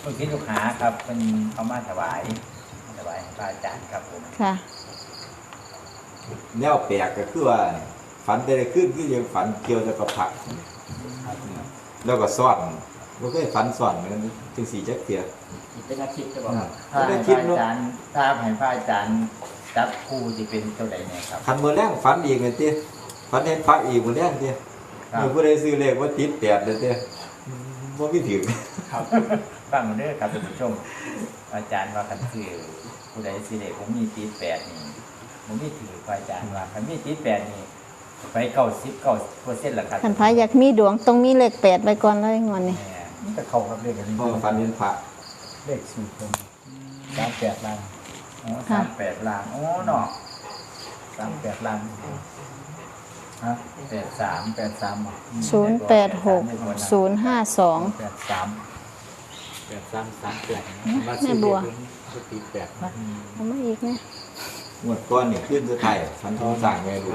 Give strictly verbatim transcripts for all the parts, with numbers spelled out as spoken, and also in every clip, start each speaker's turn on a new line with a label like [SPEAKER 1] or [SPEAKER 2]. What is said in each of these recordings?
[SPEAKER 1] ลูกศิษย์ลูกหาครับเป็นเขามาถวายถวายพระอาจารย์ครับผม
[SPEAKER 2] ค่ะ
[SPEAKER 3] แนวแปลกก็คือว่าฝันได้ขึ้นคือยังฝันเกี่ยวกับผักแล้วก็ซ่อนมันก็ฝันซ่อนเหมือนกันจึงสีจักเทีย
[SPEAKER 1] เป็นอาทิตย์จะบอกถ้าให้พระอาจารย์ถ้าให้พระอาจารย์จับคู่จะเป็นเท่าไหร่เนี่ยครับ
[SPEAKER 3] คันมือแรกฝันอีกเลยเตี้ยฝันเห็นพระอีกมือแรกเตี้ยมือผู้ใดซื้อเลขว่าติดแปดเลยเตี้ยว่าไม่ถึง
[SPEAKER 1] ครับฟังเด้อครับท่านผู้ชมอาจารย์ว่าคันซื้อผู้ใดซื้อเลขผมมีติดแปดนี่ผมมีถือพระอาจารย์ว่าคันมีติดแปดนี่ไปเก้าสิบเก้าเปอร์เซ็นต์ละครับ
[SPEAKER 2] ท่านพระอยากมีดวงต้องมีเลขแปดไปก่อนเลยงอนนี่
[SPEAKER 1] มันจะเข้ากับเลขกัน
[SPEAKER 3] เพราะฝันเห็นพระ
[SPEAKER 1] เลขสูตรผมสามแปดล้านอ๋อสามแปดล้านอ๋อเนาะสามแปดล้านฮะแปดสามแปดสาม
[SPEAKER 2] ศูนย์แปดหกศูนย์ห้าสอง
[SPEAKER 1] แปดสามแปดสามสามแปด
[SPEAKER 2] แม่บัว
[SPEAKER 1] ตีแปด
[SPEAKER 2] เอามาอีกนะ
[SPEAKER 3] หมวดก้อนนี่ขึ้นสุดท้ายฝันทองสั่งไงลูก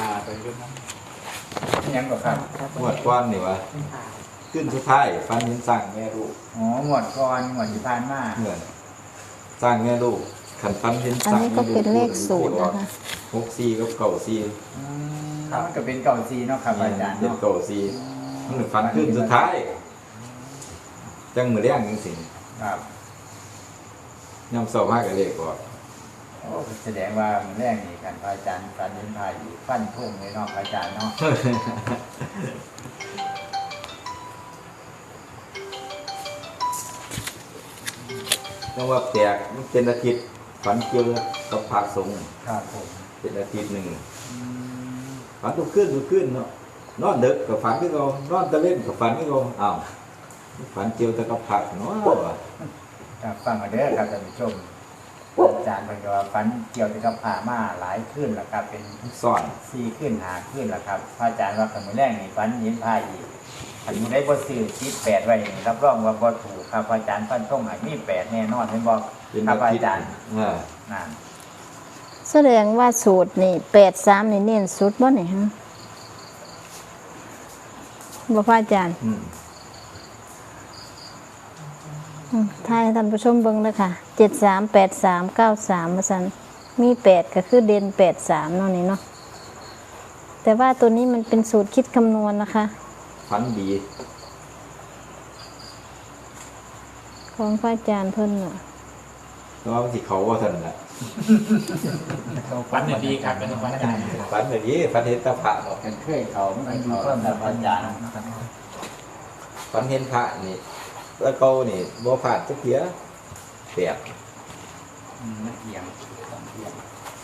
[SPEAKER 1] ยังก็ครับ
[SPEAKER 3] หมวดก้อนนี่วะขึ้นสุดท้ายฝันเห็นสั่งแม่ลูก
[SPEAKER 1] อ๋อหมวดก้อนหมวดที่ผ่านมา
[SPEAKER 3] เหมือนสั่งแม่ลูกขันฝันเห็น
[SPEAKER 2] สั่งอันนี้ก็เป็นเลขสูตรนะคะ
[SPEAKER 3] หกสี่กับเก่าสี่
[SPEAKER 1] ครับมันก็เป็นเก่าสี่เนาะครับอาจารย์
[SPEAKER 3] เป็นเก่าสี่มันฝันขึ้นสุดท้ายจังมือแรงจริง
[SPEAKER 1] ๆครับ
[SPEAKER 3] ย่ำเศร้ามากกับเลขก่อน
[SPEAKER 1] โอ้แสดงว่ามันแรกนี่กันพระอาจารย์การเดินทางอยู่ฟันทุ่งเลยเนาะพระอาจารย์เนาะ
[SPEAKER 3] ต้องว่าแตกมันเป็นอาทิตย์ฝันเกี่ยวกับภาคสงฆ์
[SPEAKER 1] ครับผม
[SPEAKER 3] เป็นอาทิตย์หนึ่งฝันทุกคืนทุกคืนเนาะนอนเด็กกับฝันที่เรานอนตะเล่นกับฝันที่เราอ้าวฝันเกี่ยวกับภาคเนาะ
[SPEAKER 1] ครับฟังมาเด้อครับท่านผู้ชมอาจารย์เป็นว่าฟันเกี่ยวกับผ่ามาหลายขึ้นแล้วครับเป็น
[SPEAKER 3] ซ่อน
[SPEAKER 1] สี่ขึ้นหาขึ้นแล้วครับพระอาจารย์ว่าคำแรกนี่ฟันเห็นผ้าอีกอันนี้ได้บ่ซื้อคิดแปดไว้รับรองว่าบ่ถูกครับอาจารย์ฟันต้องให้มีแปดแน่นอนเห็นบ่ครับอาจารย์นั่น
[SPEAKER 2] แสดงว่าสูตรนี่แปดสามนี่เน้นสุดบ่นี่ฮะบ่พระอาจารย์ทายท่านผู้ชมเบิ่งเลยค่ะเจ็ดสามแปดสามเก้าสามมาสันมีแปดก็คือเด่นแปดสามเนาะนี่เนาะแต่ว่าตัวนี้มันเป็นสูตรคิดคำนวณนะคะ
[SPEAKER 3] ฝันดี
[SPEAKER 2] ของพระอาจารย์เพิ่นน่ะ
[SPEAKER 3] เพราะว่าที่เขาว่าท่านน่ะ
[SPEAKER 1] ฝันดีครับเป็นฝันอาจารย์
[SPEAKER 3] ฝันแบบนี้ฝันเห็นตาพระเนาะ
[SPEAKER 1] เคยเขาไม่เขาเพิ่มแต่พระอาจารย์
[SPEAKER 3] ฝันเห็นพระนี่แล้วเขานี่บ่ผ่านสักเทียแปด
[SPEAKER 1] นักเอียงเอียง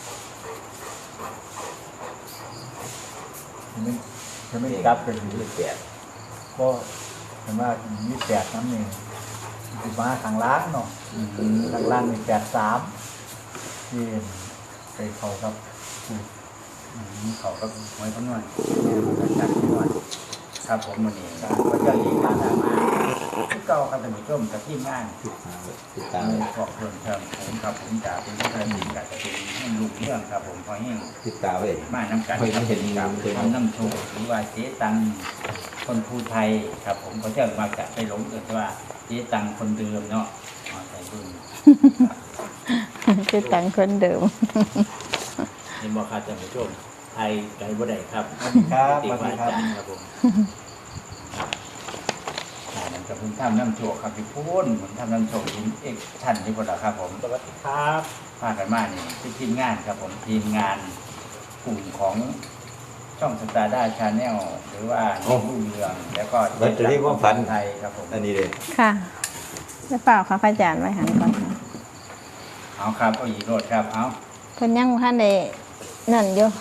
[SPEAKER 1] จะไม่กลับเป็นยี่แปดก็เห็นว่ายี่แปดน้ำหนึ่งสิบมาทางล้างเนาะทางล่างมีแปดสามที่ไปเขาครับเขาก็ไว้ทั้งนั้นจัดทั้งนั้นครับผมวันนี้ก็จะเรียนการทำมาที่เก่าครับท่านผู้ชมกับที่งาน
[SPEAKER 3] ติดตาม
[SPEAKER 1] ขอบคุณครับผมครับผมจะเป็นผู้การบินกับจะเป็นให้ลูกเรื่องครับผมพอแห้ง
[SPEAKER 3] ติดตามเลย
[SPEAKER 1] มาน้ำกันครับเห็นกับทำน้ำโชว์หรือว่าเจ๊ตังคนภูไทยครับผมเขาจะมาจะไปหลงเกิดว่าเจ๊ตังคนเดิมเนาะใส่รุ่น
[SPEAKER 2] เจ๊ตังคนเดิม
[SPEAKER 1] เห็นบอกครับท่านผู้ชมไทยไกลบ่ได้ครับ
[SPEAKER 3] ครับ
[SPEAKER 1] ติดว่าอาจารย์ครับผมนั่นกับผมทำน้ำโชว์ครับพี่พูนผมทำน้ำโชว์ทีมเอกชันที่คนละครับผมสวัสดีครับพากันมานี่ที่ทีมงานครับผมทีมงานกลุ่มของช่องสตาร์ด้าชาแนลหรือว่ารุ่งเรืองแล้วก็
[SPEAKER 3] บัตรที่ความฝัน
[SPEAKER 1] ไทยครับผม
[SPEAKER 3] อันนี้เลย
[SPEAKER 2] ค่ะจะเปล่าค่ะพระอาจารย์ไว้หันก่อน
[SPEAKER 1] เอาครับเอาอีกโรดครับเอา
[SPEAKER 2] เพิ่นยังท่านได้นั่นอยู่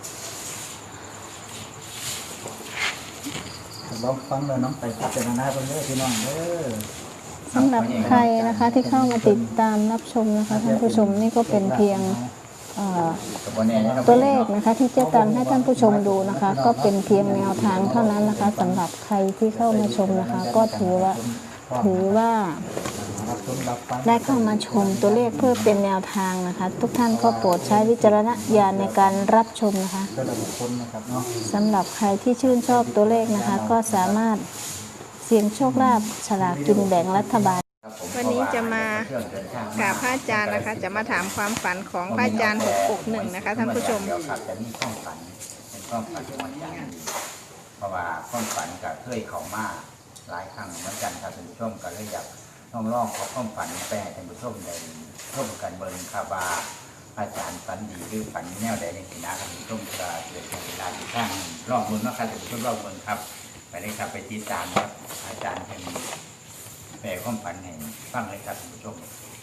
[SPEAKER 1] ลองฟังเลยน้องไปพัฒนาตรงนี้พี่น้องเด้อ
[SPEAKER 2] สำหรับใครนะคะที่เข้ามาติดตามรับชมนะคะท่านผู้ชมนี่ก็เป็นเพียงตัวเลขนะคะที่เจ๊ตังให้ท่านผู้ชมดูนะคะก็เป็นเพียงแนวทางเท่านั้นนะคะสำหรับใครที่เข้ามาชมนะคะก็ถือว่าถือว่าได้เข้ามาชมตัวเลขเพื่อเป็นแนวทางนะคะทุกท่านก็โปรดใช้วิจารณญาณในการรับชมนะคะสำหรับใครที่ชื่นชอบตัวเลขนะคะก็สามารถเสี่ยงโชคลาภฉลากกินแบ่งรัฐบาล
[SPEAKER 3] ครับผม
[SPEAKER 2] วันนี้จะมากราบพระอาจารย์นะคะ จะมาถามความฝันของพระอาจารย์หกหกหนึ่งนะคะท่านผู้ชม
[SPEAKER 4] เดี๋ยวครับจะมีความฝันเป็นความฝันของอาจารย์เพราะว่าความฝันกับเคยเข้ามาหลายครั้งเหมือนกันครับท่านผู้ชมก็เลยอยากลองลองขอความฝันแปลให้ท่านผู้ชมได้ชมกันเบิ่งครับว่าอาจารย์ฝันดีหรือฝันแนวใดในสินะท่านผู้ชมก็เกิดเป็นเวลาที่ข้างรอบเบิ่งเนาะครับท่านผู้ชมรอบเบิ่งครับไปเลยครับไปติดตามครับอาจารย์เป็นแปลความฝันให้ฟังเลยครับท่านผู้ชม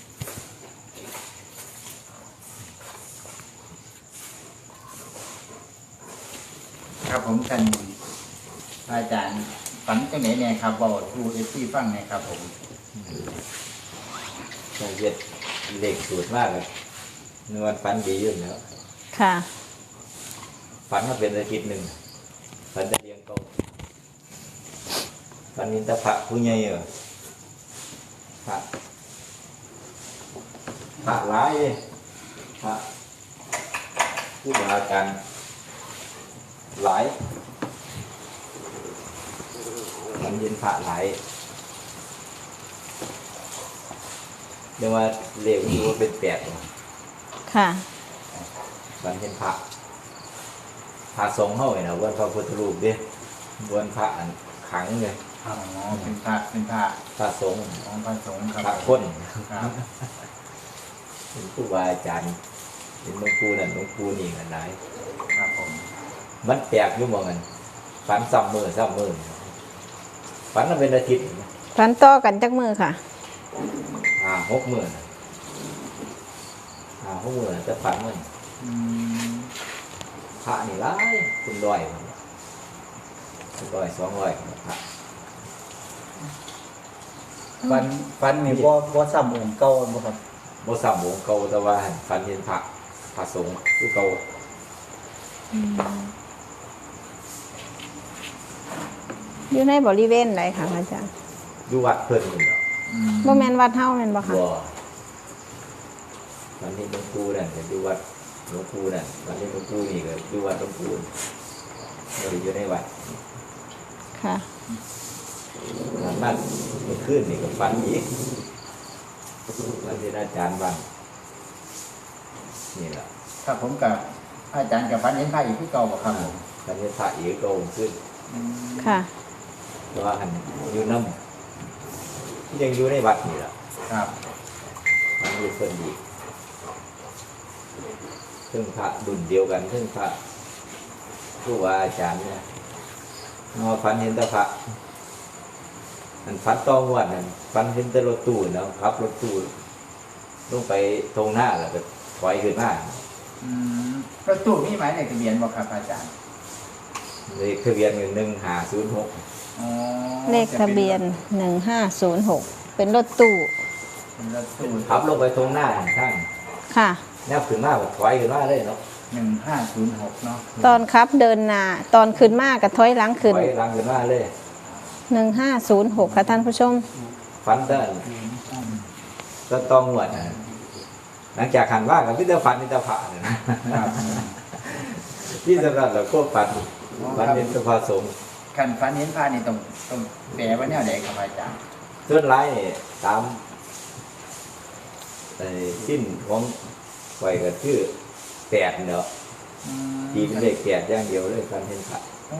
[SPEAKER 4] ครับผมท่านอาจารย์ฝันจังไหนเนี่ยครับบอกทูเอฟซีฟังเนี่ยครับผม
[SPEAKER 3] เราเย็ดเด็กสูตรมากเลยนวลฝันดีอยู่แล้ว
[SPEAKER 2] ค่ะ
[SPEAKER 3] ฝันมาเป็นอาทิตย์หนึ่งฝันจะเลี้ยงโตฝันนินตะพระผู้ใหญ่เหรอพระพระร้ายพระผู้บาการหลายฝันเย็นพระหลายเรียกว่าเรียกว่าเป็นแปด
[SPEAKER 2] ค่ะ
[SPEAKER 3] ฝันเห็นพระพระสงฆ์เข้าไงนะวันพระพุทธรูปดิวันพระอันขังเลย
[SPEAKER 4] อ๋อเป็นพระเป็นพระ
[SPEAKER 3] พระสงฆ์
[SPEAKER 4] ของพระสงฆ์ค
[SPEAKER 3] พ
[SPEAKER 4] รับ
[SPEAKER 3] ระคน
[SPEAKER 4] ครับ
[SPEAKER 3] เป็นครูบาอาจารย์เป็นหลวงปู่นั่นหลวงปู่นี่กันไหน
[SPEAKER 4] ครับผม
[SPEAKER 3] มันแปลกอยู่มองกันฝันซ้ำมือซ้ำมือฝันมันเป็นอาทิตย์
[SPEAKER 2] ฝันต่อกันจักมือค่ะ
[SPEAKER 3] อ่าหกมือน่ะอ่าหกมือน่ะจะฝันมัน
[SPEAKER 4] อืม
[SPEAKER 3] พระนี่ร้ายคุณร้อยคุณร้อยสองร้อยพระ
[SPEAKER 1] ฟันฟันนี่บ่บ่ซ้ำองค์เก่าบ่ครับ
[SPEAKER 3] บ่ซ้ำวงเก่าแต่ว่าฝันเห็นพระพระสงฆ์คือเก่า
[SPEAKER 2] อยู่ในบริเวณไหนค่ะพระอาจารย์
[SPEAKER 3] อยู่วัดเพิ่นนี่เนาะ
[SPEAKER 4] อืม
[SPEAKER 2] บ่แม่นวัดเฮาแม่นบ่ค่ะ
[SPEAKER 3] บ่วันนี้หลวงปู่นั่นก็อยู่วัดหลวงปู่นั่นวันนี้หลวงปู่นี่ก็อยู่วัดหลวงปู่เราอยู่ในวัด
[SPEAKER 2] ค่ะ
[SPEAKER 3] นั่นเมื่อคืนนี่ก็ฝันอีกวันที่อาจารย์บ้างนี่แหละ
[SPEAKER 4] ครับผมกับอาจารย์กับฝันเห็นพระอีกที่เก่าบ่ครับผม
[SPEAKER 3] วันที่พระอีกก็องค์ขึ้น
[SPEAKER 4] อืม
[SPEAKER 2] ค่ะ
[SPEAKER 3] เพราะว่าหันอยู่น้ำยังอยู่ในวัดนี่แหละ
[SPEAKER 4] ครับ
[SPEAKER 3] มันอยู่เพิ่นอีกซึ่งพระดุนเดียวกันซึ่งพระผู้ว่าอาจารย์เนี่ยมาฝันเห็นแต่พระอันฝันต้องวันนั้นฝันเห็นแต่รถตู้เนาะขับรถตู้ลงไปตรงหน้าแล้วก็ถอยขึ้นมา
[SPEAKER 4] อืมรถตู้มีหมายเลขทะเบียนบ่ครับอาจารย์
[SPEAKER 3] เลขทะเบียนหนึ่งห้าศูนย์หก
[SPEAKER 4] อ๋อ
[SPEAKER 2] เลขทะเบียนหนึ่งห้าศูนย์หกเป็นรถตู้
[SPEAKER 4] เป็นรถตู้
[SPEAKER 3] ขับลงไปตรงหน้าข้าง
[SPEAKER 2] ค่ะ
[SPEAKER 3] แนวขึ้นมาก็ถอยขึ้นมาเลยเนาะ
[SPEAKER 4] หนึ่งห้าศูนย์หกเนาะ
[SPEAKER 2] ตอนขับเดินหน้าตอนขึ้นมากับถอยหลัง
[SPEAKER 3] ถ
[SPEAKER 2] ขึ้น
[SPEAKER 3] อยหลังขึ้นมาเลย
[SPEAKER 2] หนึ่งห้าศูนย์หกค่ะท่านผู้ชม
[SPEAKER 3] ฝันได้ก็ต้องหวดนะหลังจากหันว่ากับพิจารฝันพิจารผ่าเนี่ยนะครับ ที่สำหรับเราก็ฝันฝันเป็นสภาสงฆ์
[SPEAKER 4] คันฝันเห็นพระนี่ต้องต้องแปลว่าแนวใดครับอาจารย์
[SPEAKER 3] ส่วนร้ายเนี่ยตามไอ้สิ้นของไฟก็ชื่อแปดเนาะ
[SPEAKER 4] อืม
[SPEAKER 3] ตีเป็นเลขแปดอย่างเดียวเลยฝันเห็นพระ
[SPEAKER 4] อ๋อ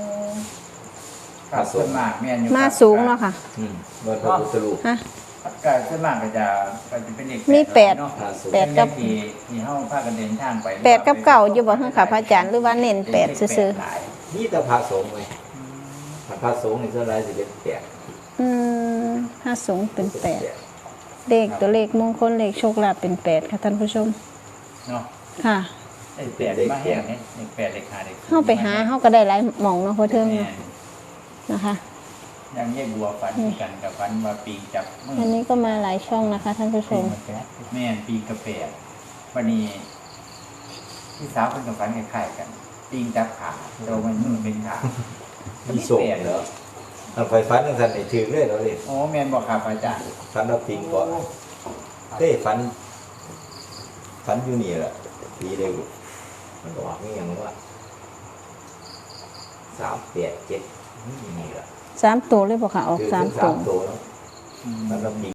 [SPEAKER 4] ครับส่วนมากแม่นอยู่
[SPEAKER 2] มา
[SPEAKER 4] ครับ
[SPEAKER 2] สูงเนาะค่ะ
[SPEAKER 3] อืมวันพระพุทธรูป
[SPEAKER 2] ฮะ
[SPEAKER 4] ก็ส่วนมากก็จะก็จะเป็นเลข
[SPEAKER 2] มีแปด
[SPEAKER 4] เนาะ
[SPEAKER 3] พระสงฆ์
[SPEAKER 2] แปดกับ
[SPEAKER 4] ที่ที่เฮาพากันเดินทางไป
[SPEAKER 2] แปดกับเก่าอยู่บ่เฮาค่ะพระอาจารย์หรือว่าเน้นแปดซื่อ
[SPEAKER 4] หลาย
[SPEAKER 3] นี่แต่พระสงฆ์ไหมพระสงฆ์ในส่วนร้ายสิเป็นแปด
[SPEAKER 2] ๆอืมห้าสูงเป็นแปดเลขตัวเลขมงคลเลขโชคลาภเป็นแปดค่ะท่านผู้ชม
[SPEAKER 4] เนาะ
[SPEAKER 2] ค่ะ
[SPEAKER 4] ไอ้แปดมาแห้งเนี่ยเลขแปดเลขห้าเลข
[SPEAKER 2] เฮาไปหาเฮาก็ได้หลายหม่องเนาะพอเทิง
[SPEAKER 4] แม่
[SPEAKER 2] เนาะนะคะ
[SPEAKER 4] ยังแยกบัวฟันกันกับฟันว่าปีจับมือ
[SPEAKER 2] อันนี้ก็มาหลายช่องนะคะ ท่านผู้ชม
[SPEAKER 4] แม่นปีกระแปดวันนี้พี่สาวเพิ่นกับฟันคล้ายๆกันปีงจับขาโดยมันมือเป็นขา
[SPEAKER 3] มีโศกเหรอเอาไฟฟันทั้งสันไอ้ถือเลยเราเลย
[SPEAKER 4] โอ้แม่นบอกครับอาจารย์
[SPEAKER 3] ฟันเราปิงก่อนเต้ฟันฟันอยู่นี่แหละปีเดียวมันก็ว่าไม่ยังว่าสามแปดเจ็ดนี่แหละ
[SPEAKER 2] สามตัวเลยบ่ค่ะออก
[SPEAKER 3] คือ
[SPEAKER 2] สาม
[SPEAKER 3] ถึง
[SPEAKER 2] ตั
[SPEAKER 3] สาว มตัวแล้ว
[SPEAKER 4] อืม
[SPEAKER 3] ฟันเราปิง